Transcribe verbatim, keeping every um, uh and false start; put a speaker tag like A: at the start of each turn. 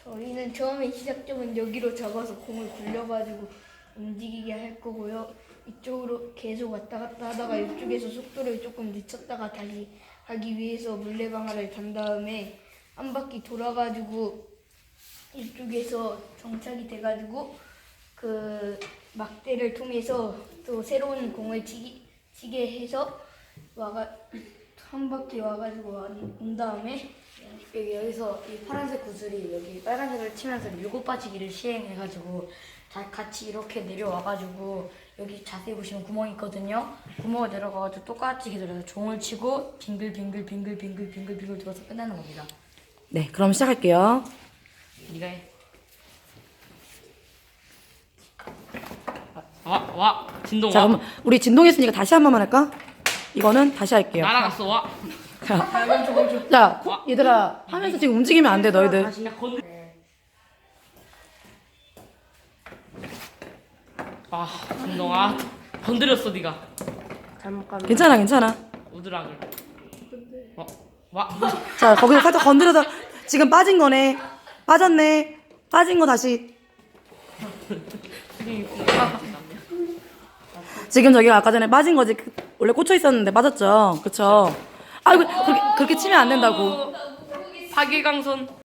A: 저희는 처음에 시작점은 여기로 잡아서 공을 굴려가지고 움직이게 할 거고요. 이쪽으로 계속 왔다 갔다 하다가 이쪽에서 속도를 조금 늦췄다가 다시 하기 위해서 물레방아를 단 다음에 한 바퀴 돌아가지고 이쪽에서 정착이 돼가지고 그 막대를 통해서 또 새로운 공을 치기, 치게 해서 와가 한 바퀴 와가지고 온 다음에
B: 여기 여기서 이 파란색 구슬이 여기 빨간색을 치면서 밀고 빠지기를 시행해가지고 다 같이 이렇게 내려와가지고 여기 자세히 보시면 구멍이 있거든요. 구멍을 내려가가지고 똑같이 기다려서 종을 치고 빙글빙글 빙글빙글 빙글빙글 돌아서 끝나는 겁니다.
C: 네, 그럼 시작할게요.
B: 네가 해.
D: 와, 와, 진동
C: 자,
D: 와.
C: 그럼 우리 진동했으니까 다시 한 번만 할까? 이거는 다시 할게요.
D: 날아갔어, 와.
C: 자, 코- 얘들아 하면서 지금 움직이면 안 돼, 너희들.
D: 야, 건. 아, 진동 아, 건드렸어, 네가.
C: 괜찮아, 괜찮아.
D: 우드락을. 어, 와.
C: 자, 거기서 살짝 건드려서 지금 빠진 거네. 빠졌네. 빠진 거 다시. 지금 저기가 아까 전에 빠진 거지. 그- 원래 꽂혀 있었는데 빠졌죠. 그쵸? 아이고, 그렇게, 그렇게 치면 안 된다고.
D: 파괴강선.